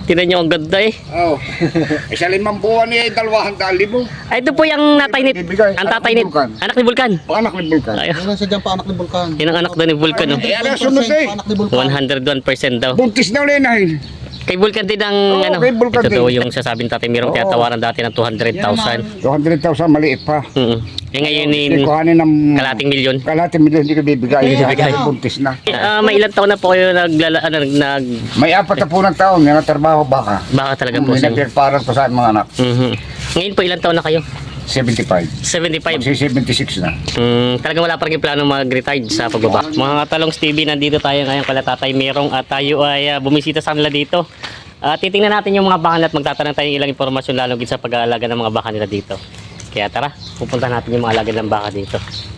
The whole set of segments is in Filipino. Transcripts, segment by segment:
Tinan nyo, ang ganda eh. Oh. Isa 5 buwan niya, 200,000. Ay, ito po yung natay ni... Bibigay. Ang tatay ni... Vulcan. Anak ni Vulcan. Anak ni Vulcan. Ay, Yan sa dyan pa anak ni Vulcan. yun ang anak daw ni Vulcan, no? Eh, ano sunod eh? Anak ni Vulcan. 101% daw. Buntis na ulit na yun. Kay Vulcan din ang Oo, ano. kay Vulcan Ito daw din. yung sasabing tatay Merong Oo. tinatawaran dati ng 200,000. 200,000 maliit pa. Eh ngayon Hindi in kuhanin ng... kalating milyon. Kalating milyon, hindi ko bibigay. Hindi bibigay. Buntis na. May ilang taon na po kayo nag May 4 na po ng taon, yan ang trabaho baka. baka talaga po May sa inyo. nagpirparan ko sa mga anak. Ngayon po ilang taon na kayo? 75. 75. Magsi 76 na. Talagang wala pa rin plano mag-retire sa pagbaba. Mga katalong TV, nandito tayo ngayon kala Tatay Merong at tayo ay bumisita sa kanila dito. Titingnan natin yung mga baka at magtatanong tayo ng ilang impormasyon lalo sa pag-aalaga ng mga baka nila dito. Kaya tara, pupunta natin yung mga alaga ng baka dito.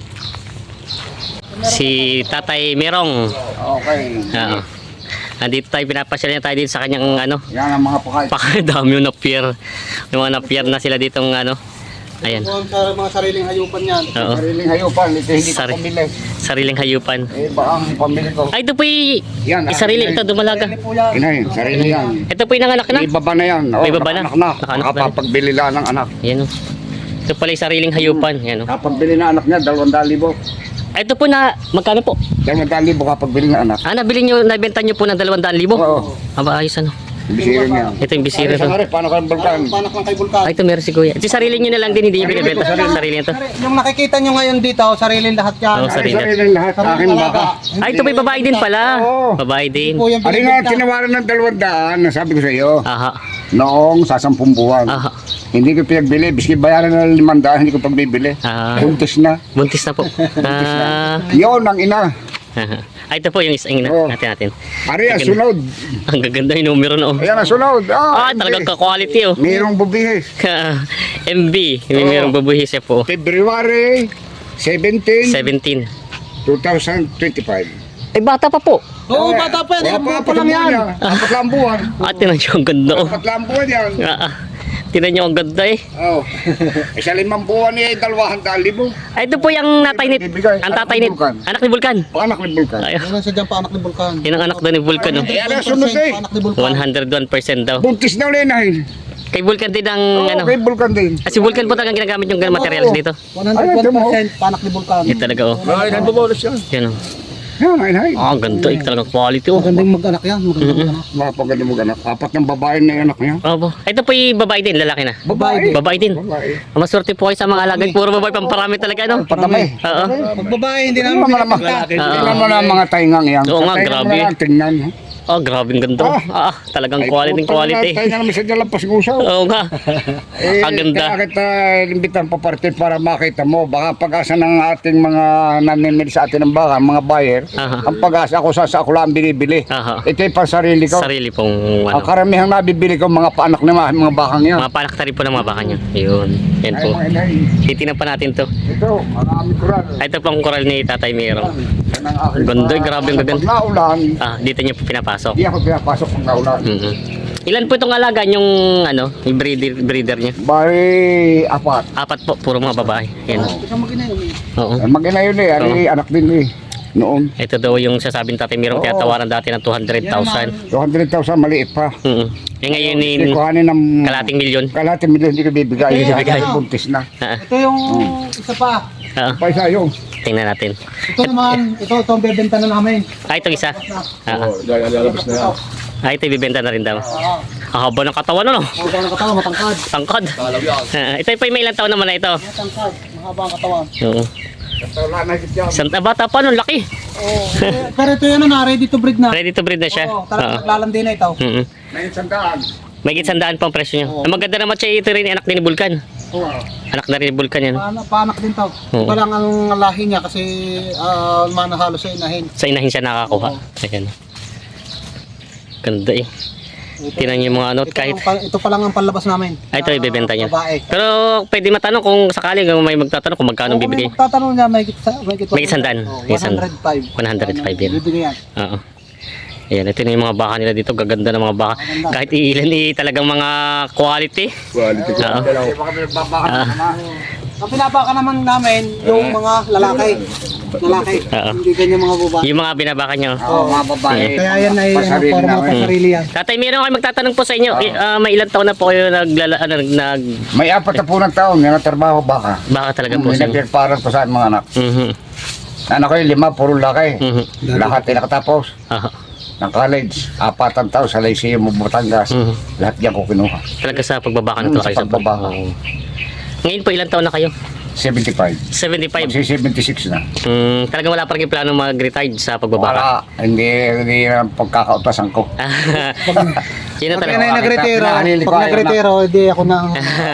Si Tatay Merong. Okay. Oo. Nandito tayo, pinapasyal niya tayo dito sa kanyang ano. Yan ang mga pakay. Pakadami yung na-pier. Yung mga na-pier na sila ditong ano. Ayan. Kung sa mga sariling hayupan yan. Oo. Sariling hayupan, ito hindi ko Sari- pamili. Sariling hayupan. Eh, baka ang pamili ko. Ay, ito po Yan, sarili. Ito, dumalaga. Sarili po yan. Inahin, sarili yan. Ito po yung nanganak na. May baba na yan. May baba na. Nakanak na. Nakanak na. Nakapagbili lang ng anak. Yan o. Ito pala yung sariling hayupan. Yan o. Kapagbili na anak niya, 200,000. Ay, ito po na, magkano po? 200,000 kapagbili ng anak. Nabili nyo, nabenta nyo po ng 200,000? Oo. Aba, ayos ano. Bisiro niya. Ito yung bisira Isa to. nga rin, paano ka ng Vulcan? Panak lang kay Vulcan. Ay, ito meron si Kuya. Ito sarili nyo na lang din, hindi nyo binibenta. Sarili nyo to. Yung nakikita nyo ngayon dito, sariling lahat yan. Oo, Ay, sarili. sarili lahat. Akin baka. Ay, ito may babae din pala. Oo. Babae din. Po yung Ano nga, binibenta. tinawaran ng 200, nasabi ko sa iyo. Aha. Noong sa 10 buwan. Aha. Hindi ko pinagbili. Biski bayaran ng 500, hindi ko pagbibili. Ah. Buntis na. Buntis na po. Yun ang ina. Ay, ito po yung isang Oo. natin. Ari, ang sunod. Ang gaganda yung numero no. Ayan ang sunod. Talagang ka-quality oh. Mayroong bubihis. MB. May Oo. merong babuhis siya po. February 17, 17. 2025. Ay, bata pa po. Oo, bata pa yan. Wala Apat lang yan. 4 lang buwan. Tinan nyo ang ganda oh. 4 lang buwan yan. Tinan nyo ang ganda eh. Oh. Isa 5 buwan niya, 200,000. Ay, ito po yung natay ni... Bibigay. Ang tatay ni... Vulcan. Anak ni Vulcan. Anak ni Vulcan. Ay, Yan sa dyan pa anak ni Vulcan. yun ang anak daw ni Vulcan oh. Eh, ano sunod eh? Anak ni Vulcan. 101% daw. Buntis na ulit na yun. Kay Vulcan din ang ano. Kay Vulcan din. Si Vulcan po talagang ginagamit yung ganung materials dito. 101% panak ni Vulcan. Yan talaga oh. Ay, nagbabawas yan. Yan oh. Yan, ay. Ang ganda eh. Talagang quality oh. Magandang mag-anak yan. Magandang mag-anak. Mapaganda mo ganak. 4 ng babae na yung anak niya. Opo. Ito po yung babae din, lalaki na. Babae. Babae din. Babae. Maswerte po kayo sa mga alaga. Puro babae, pamparami talaga no. Patami. Oo. Pag babae, hindi Tingnan namin mo naman. pinapagta. Tingnan mo na ang mga taingang yan. Oo nga, Sa taingang grabe. na lang, tingnan. Oh, grabe ang ganda. Talagang quality quality. Tainga naman sa lampas ngusaw. Oo nga. Ang ganda. Kaya kita limbitan pa parte para makita mo. Baka pag-asa ng ating mga namimili sa atin ng baka, mga buyer. Aha. Ang pag-asa ako sa ako lang binibili. Aha. Ito yung pansarili ko. Sarili pong Ang ano. karamihang nabibili ko mga paanak ng mga bakang yan. Mga panak na rin po ng mga baka niya. Yun. Yan Ay, po. mga inay. Titingnan pa natin to. Ito, marami kural. Ay, ito pang koral ni Tatay Merong. Yan ang aking Ganda, mga- grabe ang gaganda. Pag naulan, Dito niyo po pinapasok. di ako pinapasok pag naulan. Ilan po itong alaga yung ano, yung breeder niya? Bari, 4. 4 po, puro mga babae. Yan. Isang mag-ina yun. Oo. Mag-ina yun eh. Ari, anak din eh. Noon. Ito daw yung sasabing Tatay Merong Oo. tinatawaran dati ng 200,000. 200,000 maliit pa. Eh ngayon Hindi in kuhanin ng... kalating milyon. Kalating milyon, hindi ko bibigay. Hindi bibigay. Kasi buntis na. Ito yung isa pa. Paisa yung. Tingnan natin. Ito naman, ito ang bebenta na namin. Ito isa. Lalabas na yan. Ito ibibenta na rin daw. Ang haba ng katawan ano? Mahaba ang katawan, matangkad. Tangkad. Ito pa yung may ilang taon naman na ito. Matangkad, mahaba ang katawan. Oo. Wala na higit yan. Isang bata pa nun, laki. Oo. Pero ito yan na, ready to breed na. Ready to breed na siya. Oo, talagang naglalandi na ito. May sandaan. May gitsandaan pa ang presyo niya. Ang maganda naman siya ito rin, anak din ni Vulcan. Oo. Anak na rin ni Vulcan yan. Paanak din to. Oo. Iba lang ang lahi niya kasi manahalo sa inahin. Sa inahin siya nakakuha. Ayan. Ganda eh. Tinan niyo yung mga ano, kahit... Ito pa lang ang panlabas namin. Ito ibebenta niya. Babae. Pero pwede matanong kung sakali may magtatanong kung magkano Kung may bibigay. magtatanong niya, may May isandaan. May isandaan. 105. 105 yan. Bibigyan yan. Oo. Ayan, ito na yung mga baka nila dito. Gaganda ng mga baka. Kahit iilan talagang mga quality. Quality. Oo. Baka may nagbabaka naman. Ang pinapaka naman namin, yung mga lalaki. lalaki. Oo. Hindi ganyan mga babae. Yung mga binabakan nyo. Oo, mga babae. Kaya yan ay Pasarili forma namin. pa sarili yan. Tatay, meron kayo magtatanong po sa inyo. May ilang taon na po kayo May 4 na taon, yan ang trabaho baka. baka talaga po sa inyo. Pinagpirparan ko sa mga anak. Mhm. Anak ko yung 5, puro laki. Mhm. Lahat ay nakatapos. Aha. Ng college, 4 ang taon sa Lyceum of Batangas. Mhm. Lahat yan ko kinuha. Talaga sa pagbabaka na to Sa kayo sa pagbabaka. Oo. Ngayon po ilang taon na kayo? 75. 75. Magsi-76 na. Talagang wala pa rin plano mag-retire sa pagbabaka. Wala, hindi ang pagkakautasan ko. Yun na Pag talaga. yan ay nagretiro, Pinahalilik ko, pag ayaw na. nagretiro, hindi ako na.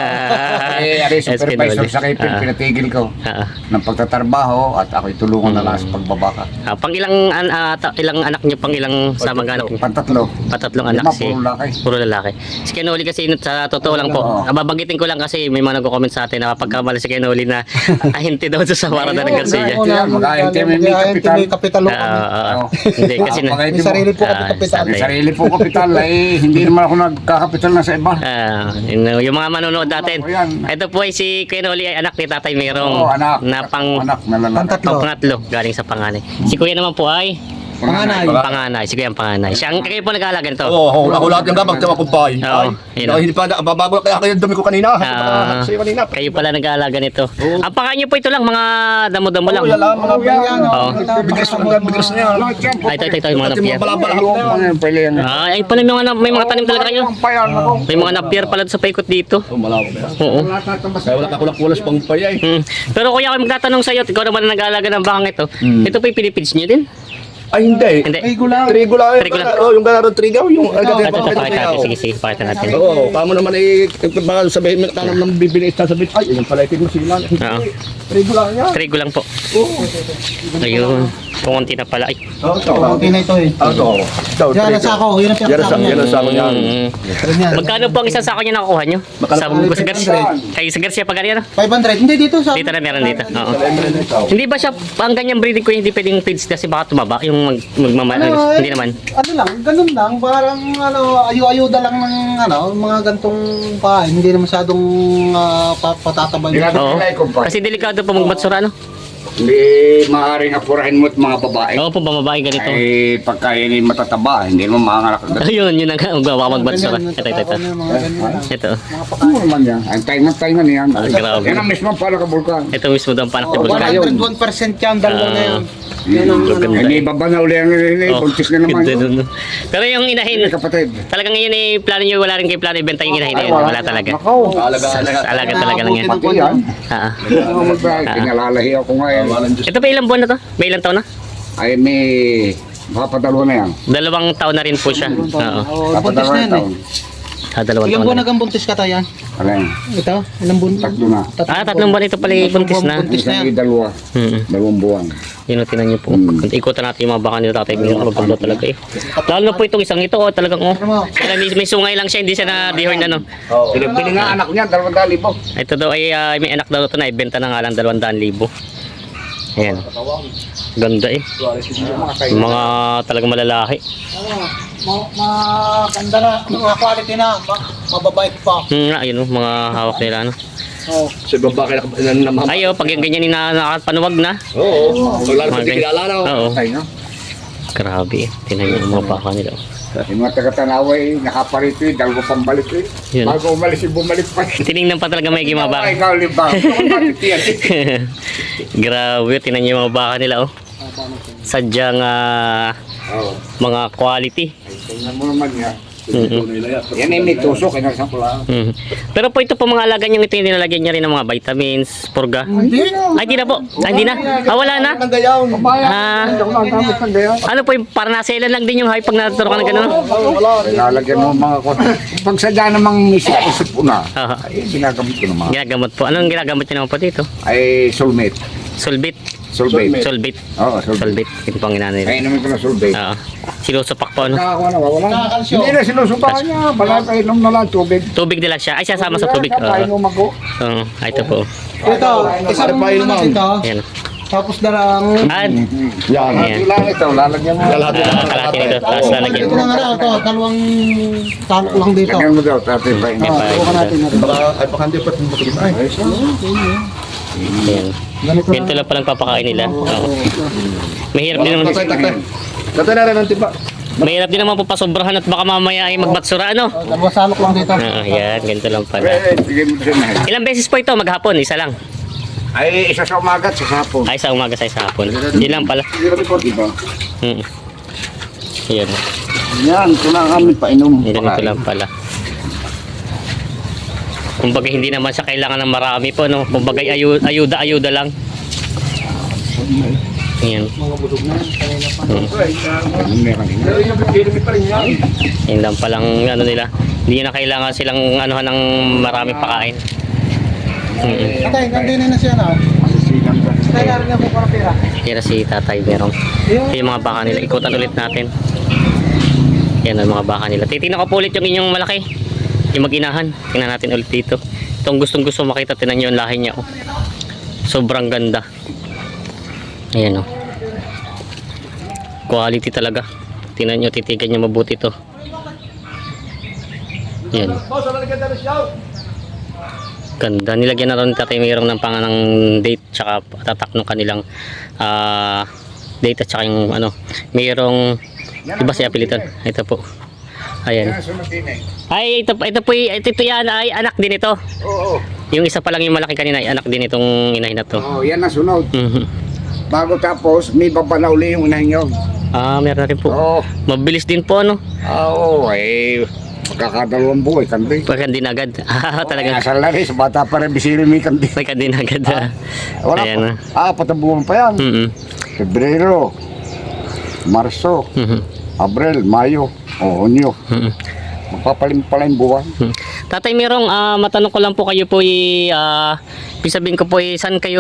Ari supervisor sa Kipil, pinatigil ko ng pagtatrabaho at ako'y tulungan na lang sa pagbabaka. Pang ilang ilang anak niyo, pang ilang sa mag-anak niyo? Pantatlo. Patatlong anak 5, puro laki. Puro lalaki. Si Kenoli kasi sa totoo lang po. Oo. Babanggitin ko lang kasi may mga nagko-comment sa atin na pagkamali si Kenoli na ahinti daw sa Warada ng Garcia. Mag-ahinti, may kapital. May kapital ako. Hindi kasi na. May sarili po kami kapital. May sarili po kapital, hindi naman ako nagkakapital na sa iba. Yung mga manonood natin. Oo, yan. Ito po ay si Kenoli ay anak ni Tatay Merong Oo, anak. na Anak na lalaki. Pantatlo. pangatlo galing sa panganay. Si Kuya naman po ay Panganay. panganay. Si Kuya ang panganay. Siya ang kayo po nag-aalaga nito. Oo, ako lahat yung gabag sa mga kumpay. Oo, yun. Hindi pa, babago kaya kayo dumi ko kanina. Ah, Sa'yo kanina. kayo pala nag-aalaga nito. Ang pangalan niyo po ito lang, mga damo-damo lang. Oo, yan lang, mga Yan, Oo. bigres na mga bigres na yan. Ay, ito, yung mga At yung napier. mga balabala. Ay, pala may mga tanim talaga kayo. May mga napier pala sa paikot dito. Oo, malabo na. Oo. Kaya wala kakulak-kulas pang payay. Pero kuya, ako magtatanong sa iyo, ikaw naman ang nag-aalaga ng bakang ito. Ito pa yung Philippines niyo din? Ay, hindi. Hindi. Trigo lang. Trigo lang. Trigo lang. Oo, yung ganarong trigaw. Yung Ito, pakita natin. Sige, sige, pakita natin. Oo, kamo naman baka sabihin mo tanong ng bibili sa sabihin, ay, yung pala itin mo sila. Oo. Trigo lang yan. Trigo lang po. Ayun. Kukunti na pala. Ay. Oo, ito. Okay na ito eh. Ito. Yan ang sako. Yun ang Yan pinakasako ang sako niyan. Ganyan. Magkano po ang isang sako niya nakukuha niyo? Magkano Sa po? sa Garcia. Kay sa Garcia pag ano? 500. Hindi dito sa. Dito na meron dito. Oo. Hindi ba siya ang ganyang breeding ko hindi pwedeng feeds kasi baka tumaba yung hindi naman. Ano lang, ganun lang. Parang ayu-ayuda lang ng mga gantong pahay. Hindi na masyadong patatabay. Oo. Kasi delikado po magbatsura ano? Hindi maaaring apurahin mo at mga babae. Oo po, bamabae ganito. Ay, pagka yun ay matataba, hindi mo maangalak. Ayun, yun ang magbatsura. Ito. Ito. Ano naman yan? Ang taingan yan. Grabe. Yan ang mismo pala ka bulkan. Ito mismo daw ang panak ni Bulkan. 101% yan, dalawa na yan. Hindi baba na uli ang buntis na naman yun. Pero yung inahin, Kapatid. talagang ngayon ay plano nyo, wala rin kayo plano ibenta yung inahin na yun. Wala talaga. Nakaw. Alaga talaga lang yan. Pati yan. Ah. Pinalalahi ako ngayon. Ito pa ilang buwan na to? May ilang taon na? Ay may papadalwa na yan. 2 taon na rin po siya. Oo. Buntis na yan eh. 2 Ilang taon buwan na. nagang buntis ka tayo yan? Alin, Ito? Ilang buwan? 3 na. 3 buwan ito pala yung buntis na. Buntis na Isang yan. dalawa. 2 buwan. Yun ang tinan niyo po. Ikutan natin yung mga baka nila tatay. May maganda talaga eh. Lalo na po itong isang ito. Talagang may sungay lang siya. Hindi siya na dehorn ano. Pili nga anak niya, 200,000. Ito daw ay may anak daw ito na ibenta na nga lang 200,000. Ayan. Ganda eh. Mga talagang malalaki. Maganda na. Mga quality na. Mababait pa. Ayun oh, mga hawak nila ano. Sa babae na namahal. Ayo, pag yung ganyan nakakapanuwag na. Oo. Lalo Mga pag ganyan. kilala na. Oo. Tay, no? Grabe eh. Tinan niyo yung mga baka nila. Yung mga taga-tanaway, nakaparito eh, dalawa pang balik eh. Yun. Bago umalis, bumalik pa. Tinignan pa talaga may mga baka. Ikaw, libang. Grabe, tinan niyo yung mga baka nila oh. Sadyang mga quality. Tingnan mo naman yan. Mhm. Yan ay may tusok, inarsan ko lang. Mhm. Pero po ito po mga alaga niyang ito yung nilalagyan niya rin ng mga vitamins, purga. Hindi. Ay, hindi na po. Ay, hindi na. Wala na. Ah, ano po yung para naselan lang din yung hype pag natuturo ka ng gano'n? Lalagyan mo mga ko. Pag sadya namang isip po na, Aha. ay ginagamit ko naman. Ginagamot po. Anong ginagamot niyo naman po dito? Ay soulmate. Sulbit. Soulmate. Sulbit. Oo, soulmate. Sulbit. Ito po ang ginano nila. Kaya naman ko na soulmate. Oo. Sinusupak po ano. Nakakakuha na, wala. Nakakalsyo. Hindi na sinusubakan niya. Bala pa inom na lang tubig. Tubig nila siya. Ay, sasama sa tubig. Painom ako. Oo. Ito po. Ito. Isang ito. Ayan. Tapos darang. At, Yan. ayan. Ilang ito, lalagyan mo. Kalahati nito. Tapos lalagyan. Ito na nga raw. Ito. Dalawang tanok lang dito. Lagyan mo daw, tatay pa Ayan pa. Bukan natin. Baka ay baka hindi pa tumutulog. Ay. Ayan. Ganito Ganito lang palang papakain nila. Oo. Mahirap din naman. Tatay na rin ang tipa. Mahirap din naman po pasobrahan at baka mamaya ay magbatsura, ano? Dalawang salok lang dito. Yan, ganito lang pala. Bigay mo siya. Ilang beses po ito maghapon? Isa lang. Ay, isa sa umaga at sa hapon. Ay, sa umaga sa hapon. Yun lang pala. Diba? Mm. Yan. Yan, ito na kami painom. Ganito lang pala. Kumbaga hindi naman siya kailangan ng marami po, no? Kumbaga ayuda lang. Ayan. Mga busog na yan. Kanina pa. Yan lang palang ano nila. Hindi na kailangan silang anuhan ng marami pakain. Tatay, gandin na siya na. Tatay, narin niya po para pera. Yan na si Tatay Merong. Ito yung mga baka nila. Ikutan ulit natin. Yan ang mga baka nila. Titignan ko po ulit yung inyong malaki. Yung mag-inahan. Tingnan natin ulit dito. Itong gustong makita. Tingnan nyo yung lahi niya. Oh. Sobrang ganda. Ayan, oh. Quality talaga. Tingnan nyo, titigan nyo mabuti to. Ayan. Ganda. Nilagyan na rin Tatay Merong ng panganang date tsaka tatak ng kanilang date at tsaka yung ano. Merong iba siya pilitan. Ito po. Ayan. Ay, ito yan ay anak din ito. Oo. Yung isa pa lang yung malaki kanina ay anak din itong inahin na to. Oh, yan na sunod. Mhm. Bago tapos, may babala uli yung unahin nyo. Meron na rin po. Oo. Mabilis din po, ano? Oo, eh. Magkakadalawang buhay, kandi. Pagka din agad. Talaga. Asal na rin, sa bata pa rin, bisiri may kandi. Pagka din agad. Wala Ayan na. pa. 4 buwan pa yan. Pebrero, Marso, Abril, Mayo, Hunyo. Magpapalim-palim buwan. Tatay Merong, matanong ko lang po kayo po sabihin ko po saan kayo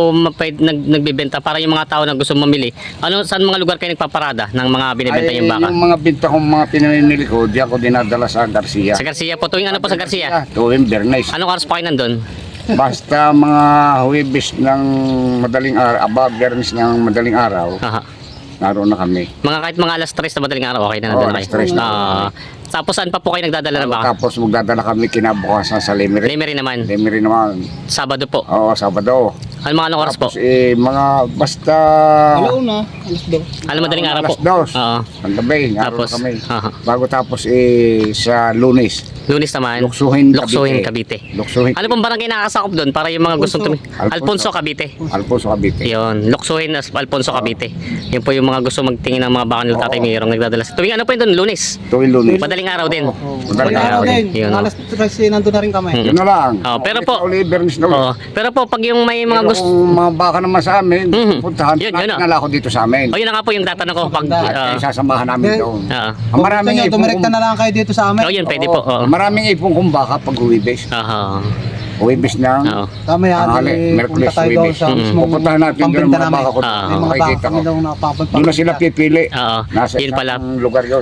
nagbebenta para yung mga tao na gusto mamili. Saan mga lugar kayo nagpaparada ng mga binibenta yung baka? Yung mga binta kong mga pinamimili ko, di ako dinadala sa Garcia. Sa Garcia po. Tuwing ano po sa Garcia? Tuwing Bernays. Anong oras pa kayo nandun? Basta mga Huwebes ng madaling araw, Bernays ng madaling araw, Aha. naroon na kami. Kahit mga alas 3 na madaling araw, okay na Oo, nandun alas kayo. 3 na. Tapos saan pa po kayo nagdadala ng baka? Tapos magdadala kami kinabukasan sa Lemery. Lemery naman. Lemery naman. Sabado po. Oo, Sabado. Anong oras po? Tapos mga basta Alauna, alas 2. Madaling araw po. alas 2. Oo. Ang gabi, naroon Tapos, na kami. aha. Bago tapos sa Lunes, Lunes naman. Luksuhin, Cavite. Luksuhin. Ano pong barangay nakakasakop doon para yung mga gustong Alfonso, Cavite. Alfonso Cavite. Yun, Luksuhin Alfonso, Cavite. Yun po yung mga gusto magtingin ng mga baka nila Tatay Merong nagdadala. Tuwing ano po yun doon? Lunes. Tuwing Lunes. Madaling araw din. Madaling araw din. Yun, Alas 3 nandun na rin kami. Yun na lang. Pero po, Bernays na ulit. pero po pag yung may mga Pero gusto. kung mga baka naman sa amin, puntahan Yun, natin yun, na lang ako dito sa amin. Yun na nga po yung tatanong ko pag At sasamahan namin doon. Ang Kung maraming gusto nyo, ipon dumirekta na lang kayo dito sa amin. yun, pwede po. Oo. Maraming ipon kong baka pag Huwebes. Aha. Huwebes ng Oo. Kami tanghali, Merkules, punta tayo doon Huwebes. sa mismong Pupuntahan natin doon ang pambenta mga namin. baka ko. Ah. May mga baka Makikita kami ko. doon na papunta. Doon na sila pipili. Oo. Nasa Yun pala. isang lugar yun.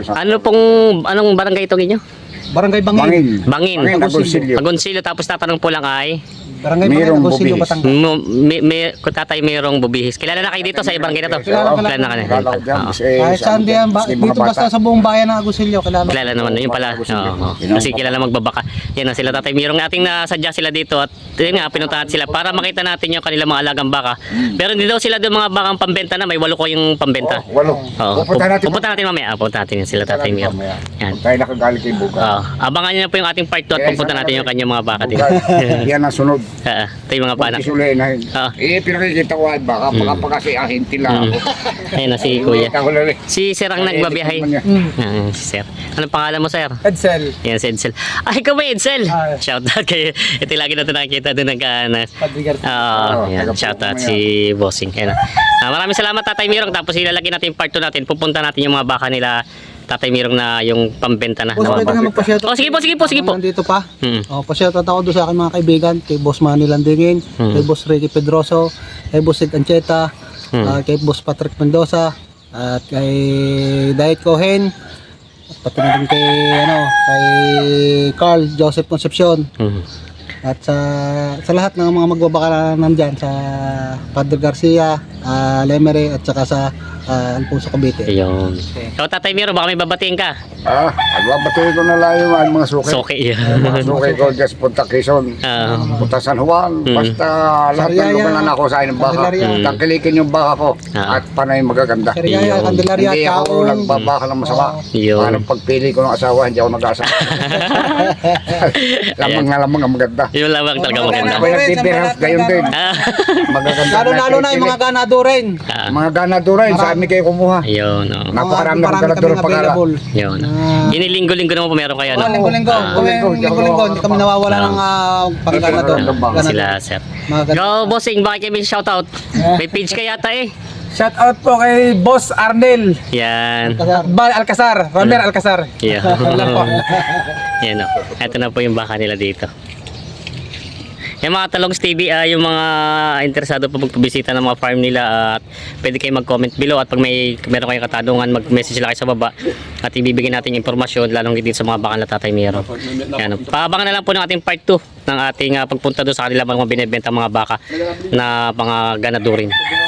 Anong barangay ito ninyo? Barangay Bangin. Bangin. Bangin. Agoncillo. Agoncillo. Tapos tatanong po lang ay Barangay Bangin, Mayroong Agoncillo, bubihis. Batangas. Tatay Merong Bubihis. Kilala na kayo dito sa barangay na to? Kilala na ka na. Kilala ko dyan. Oo. Kahit saan diyan, dito basta sa buong bayan ng Agoncillo, kilala. Kilala naman yun pala. Oo. Kasi kilala magbabaka. Yan na sila Tatay Merong. Ating nasadya sila dito at yun nga pinuntahan sila para makita natin yung kanilang mga alagang baka. Pero hindi daw sila doon mga bakang pambenta na. May 8 ko yung pambenta. Walo. Oo. Pupunta natin. Pupunta natin mamaya. Pupunta natin sila Tatay Merong. Yan. Kung tayo nakagaling kay Buga. Abangan nyo na po yung ating part 2 at pupunta natin yung kanyang mga baka dito. Yan ang sunod. Ito yung mga panak. Isulay na. Ah. Pinakikita ko ay baka. Baka pa kasi ahinti lang ako. Ayun na si Kuya. Ako lang eh. Si Sir ang nagbabiyahe. Si Sir. Anong pangalan mo, Sir? Edsel. Yan, si Edsel. Ay, ikaw ba, Edsel? Ah. Shout out kayo. Ito lagi natin nakikita doon ng kanas. Padrigar. Yan, shout out si Bossing. Ayan. Maraming salamat, Tatay Merong. Tapos ilalagay natin yung part 2 natin. Pupunta natin yung mga baka nila Tatay Merong na yung pambenta na. Boss, pwede na magpa-shout out. Sige po. Nandito pa. Hmm. Pa-shout out ako doon sa aking mga kaibigan. Kay Boss Manny Landingin, kay Boss Ricky Pedroso, kay Boss Sid Ancheta, kay Boss Patrick Mendoza, at kay Diet Cohen, at pati na din kay Carl Joseph Concepcion. At sa lahat ng mga magbabaka na nandyan sa Padre Garcia, Lemery at saka sa Alfonso Cavite. Ayun. So, Tatay Miro, baka may babatiin ka. Nagbabatuloy ko na lang yung mga suki. So, okay. Mga suki ko, just punta Quezon. Punta San Juan. Basta lahat ng Sariaya. lugar na ako sa ng baka. Candelaria. Tangkilikin yung baka ko. Ah. At panay magaganda. Sariaya, Candelaria, Hindi ako Taong. nagbabaka ng masama. Yun. Parang pagpili ko ng asawa, hindi ako nag-asawa. Lamang na lamang ang maganda. Yun lang talaga maganda. Ako nagtitirahan, gayon din. Ah, Magaganda. Lalo-lalo na yung mga ganado rin. Mga ganado rin, sa amin kayo kumuha. Ayun, oh. Napakarami ng Marami ganador kaming pagkala. available. Yun. Inilinggo-linggo naman po meron kaya, no? Linggo-linggo. Linggo-linggo. Hindi kami nawawala ng pangganado. Sila, sir. Mga Go, bossing, bakit kami shoutout? May page ka yata eh. Shout out po kay Boss Arnel Yan. Bal Alcazar, Romer Alcazar. Yan. Lang po. Yan, oh. Ito na po yung baka nila dito. Yung mga Talongs TV, yung mga interesado po magpabisita ng mga farm nila, at pwede kayo mag-comment below, at pag meron kayong katanungan, mag-message lang kayo sa baba at ibibigay natin yung impormasyon lalong dito sa mga baka na Tatay Miro. Yan, paabangan na lang po ng ating part 2 ng ating pagpunta doon sa kanila mga binebenta mga baka na mga ganadurin.